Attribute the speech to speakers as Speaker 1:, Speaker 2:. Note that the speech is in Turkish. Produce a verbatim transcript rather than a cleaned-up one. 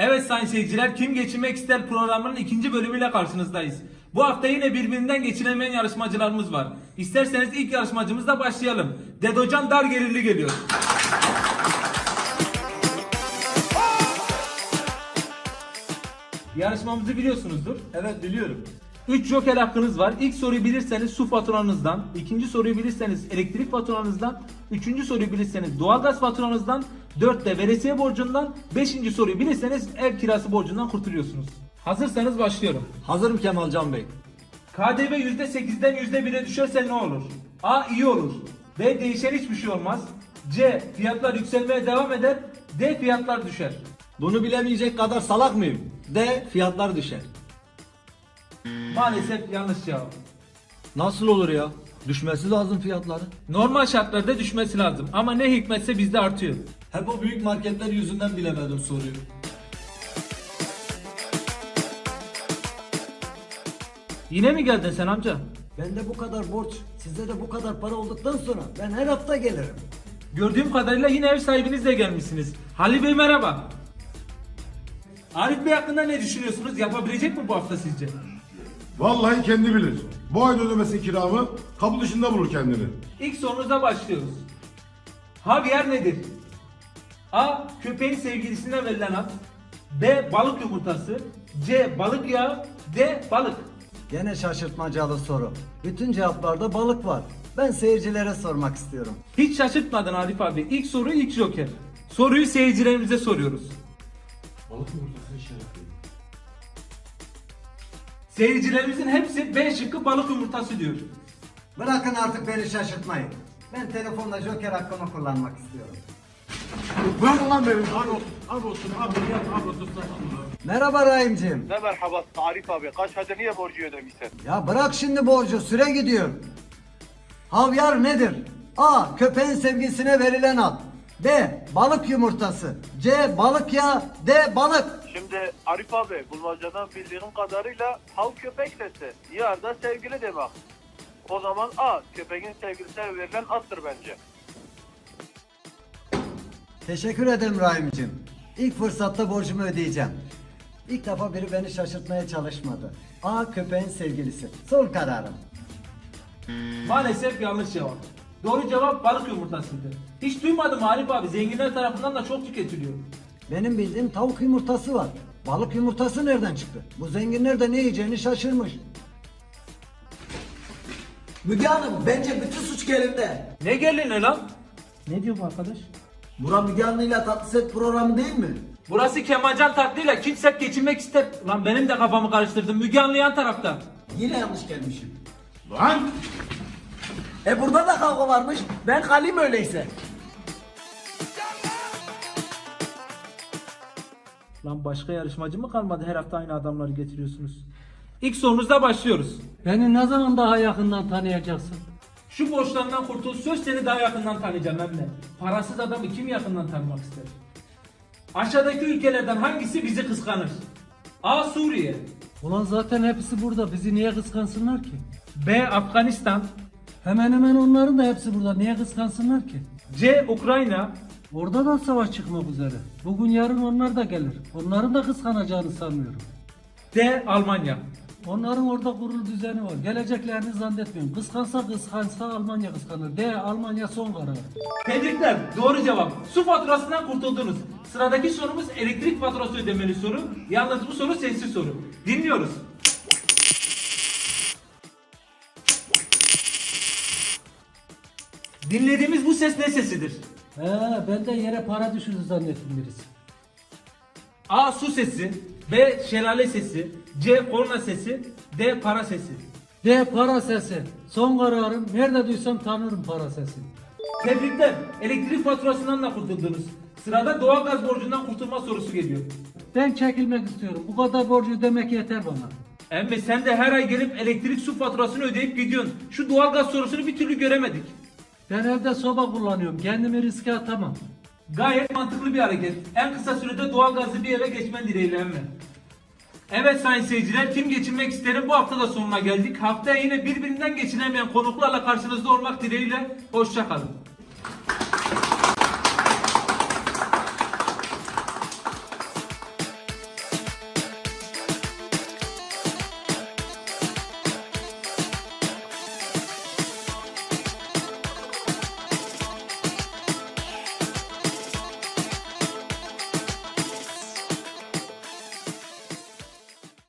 Speaker 1: Evet sayın seyirciler, Kim Geçinmek İster programının ikinci bölümüyle karşınızdayız. Bu hafta yine birbirinden geçinemeyen yarışmacılarımız var. İsterseniz ilk yarışmacımızla başlayalım. Dedocan Dar Gelirli geliyor. Yarışmamızı biliyorsunuzdur.
Speaker 2: Evet biliyorum.
Speaker 1: üç joker hakkınız var. İlk soruyu bilirseniz su faturanızdan, ikinci soruyu bilirseniz elektrik faturanızdan, üçüncü soruyu bilirseniz doğalgaz faturanızdan, dörtte veresiye borcundan, beşinci soruyu bilirseniz ev kirası borcundan kurtuluyorsunuz. Hazırsanız başlıyorum.
Speaker 2: Hazırım Kemalcan Bey.
Speaker 1: K D V yüzde sekizden yüzde bire düşerse ne olur? A. iyi olur. B. Değişen hiçbir şey olmaz. C. Fiyatlar yükselmeye devam eder. D. Fiyatlar düşer.
Speaker 2: Bunu bilemeyecek kadar salak mıyım? D. Fiyatlar düşer.
Speaker 1: Maalesef yanlış cevap.
Speaker 2: Nasıl olur ya? Düşmesi lazım fiyatları.
Speaker 1: Normal şartlarda düşmesi lazım ama ne hikmetse bizde artıyor.
Speaker 2: Hep o büyük marketler yüzünden bilemedim soruyu.
Speaker 1: Yine mi geldin sen amca?
Speaker 3: Bende bu kadar borç, sizde de bu kadar para olduktan sonra ben her hafta gelirim.
Speaker 1: Gördüğüm kadarıyla yine ev sahibinizle gelmişsiniz. Halil Bey merhaba. Arif Bey hakkında ne düşünüyorsunuz? Yapabilecek mi bu hafta sizce?
Speaker 4: Vallahi kendi bilir. Bu ayda ödemesi kiramı kapı dışında bulur kendini.
Speaker 1: İlk sorunuzla başlıyoruz. Havyar nedir? A. Köpeğin sevgilisine verilen ad. B. Balık yumurtası. C. Balık yağı. D. Balık.
Speaker 3: Gene şaşırtmacalı soru. Bütün cevaplarda balık var. Ben seyircilere sormak istiyorum.
Speaker 1: Hiç şaşırtmadın Arif abi. İlk soru ilk joker. Soruyu seyircilerimize soruyoruz. Seyircilerimizin hepsi B şıkkı balık yumurtası diyor.
Speaker 3: Bırakın artık beni şaşırtmayın. Ben telefonla joker hakkımı kullanmak istiyorum.
Speaker 4: Bırak lan beni. Abi olsun, abi olsun, abi yap, abi olsun.
Speaker 3: Merhaba Rahimciğim.
Speaker 5: Ne merhaba Arif abi. Kaç hadi niye borcu ödemişsin?
Speaker 3: Ya bırak şimdi borcu, süre gidiyor. Havyar nedir? A. Köpeğin sevgisine verilen ad. B. Balık yumurtası. C. Balık yağı. D. Balık.
Speaker 5: Şimdi Arif abi bulmacadan bildiğim kadarıyla hav köpek sesi. Yar da sevgili demek. O zaman A. Köpeğin sevgilisine verilen addır bence.
Speaker 3: Teşekkür ederim Rahimciğim. İlk fırsatta borcumu ödeyeceğim. İlk defa biri beni şaşırtmaya çalışmadı. A. Köpeğin sevgilisi. Son kararım.
Speaker 1: Maalesef yanlış cevap. Doğru cevap balık yumurtasıydı. Hiç duymadım Arif abi. Zenginler tarafından da çok tüketiliyor.
Speaker 3: Benim bildiğim tavuk yumurtası var. Balık yumurtası nereden çıktı? Bu zenginler de ne yiyeceğini şaşırmış.
Speaker 6: Müge Hanım bence bütün suç elimde.
Speaker 1: Ne gelin lan? Ne diyor bu arkadaş?
Speaker 6: Burak Müge Anlı'yla Tatlı Set programı değil mi?
Speaker 1: Burası Kemalcan Tatlı'yla kimse geçinmek ister. Lan benim de kafamı karıştırdın. Müge Anlı yan tarafta.
Speaker 6: Yine yanlış gelmişim.
Speaker 4: Lan!
Speaker 6: E burada da kavga varmış. Ben kalayım öyleyse.
Speaker 1: Lan başka yarışmacı mı kalmadı? Her hafta aynı adamları getiriyorsunuz. İlk sorunuzda başlıyoruz.
Speaker 7: Beni ne zaman daha yakından tanıyacaksın?
Speaker 1: Şu borçlarından kurtul, söz seni daha yakından tanıyacağım hem de. Parasız adamı kim yakından tanımak ister? Aşağıdaki ülkelerden hangisi bizi kıskanır? A. Suriye.
Speaker 7: Ulan zaten hepsi burada. Bizi niye kıskansınlar ki?
Speaker 1: B. Afganistan.
Speaker 7: Hemen hemen onların da hepsi burada. Niye kıskansınlar ki?
Speaker 1: C. Ukrayna.
Speaker 7: Orada da savaş çıkmak üzere. Bugün yarın onlar da gelir. Onların da kıskanacağını sanmıyorum.
Speaker 1: D. Almanya.
Speaker 7: Onların orada kurulu düzeni var. Geleceklerini zannetmiyorum. Kıskansa kıskansa Almanya kıskanır. D. Almanya son karar.
Speaker 1: Tebrikler. Doğru cevap. Su faturasından kurtuldunuz. Sıradaki sorumuz elektrik faturası ödemeli soru. Yalnız bu soru sessiz soru. Dinliyoruz. Dinlediğimiz bu ses ne sesidir?
Speaker 7: He, ben de yere para düşürdü zannettim birisi.
Speaker 1: A. Su sesi. B. Şelale sesi. C. Korna sesi. D. Para sesi.
Speaker 7: D. Para sesi. Son kararım. Nerede duysam tanırım para sesini.
Speaker 1: Tebrikler. Elektrik faturasından da kurtuldunuz. Sırada doğalgaz borcundan kurtulma sorusu geliyor.
Speaker 7: Ben çekilmek istiyorum. Bu kadar borcu ödemek yeter bana.
Speaker 1: Emmi sen de her ay gelip elektrik su faturasını ödeyip gidiyorsun. Şu doğalgaz sorusunu bir türlü göremedik.
Speaker 7: Ben evde soba kullanıyorum. Kendimi riske atamam.
Speaker 1: Gayet mantıklı bir hareket. En kısa sürede doğalgazlı bir eve geçmen dileğiyle emmi. Evet sayın seyirciler, Kim Geçinmek İster'in bu hafta da sonuna geldik. Haftaya yine birbirinden geçinemeyen konuklarla karşınızda olmak dileğiyle. Hoşça kalın.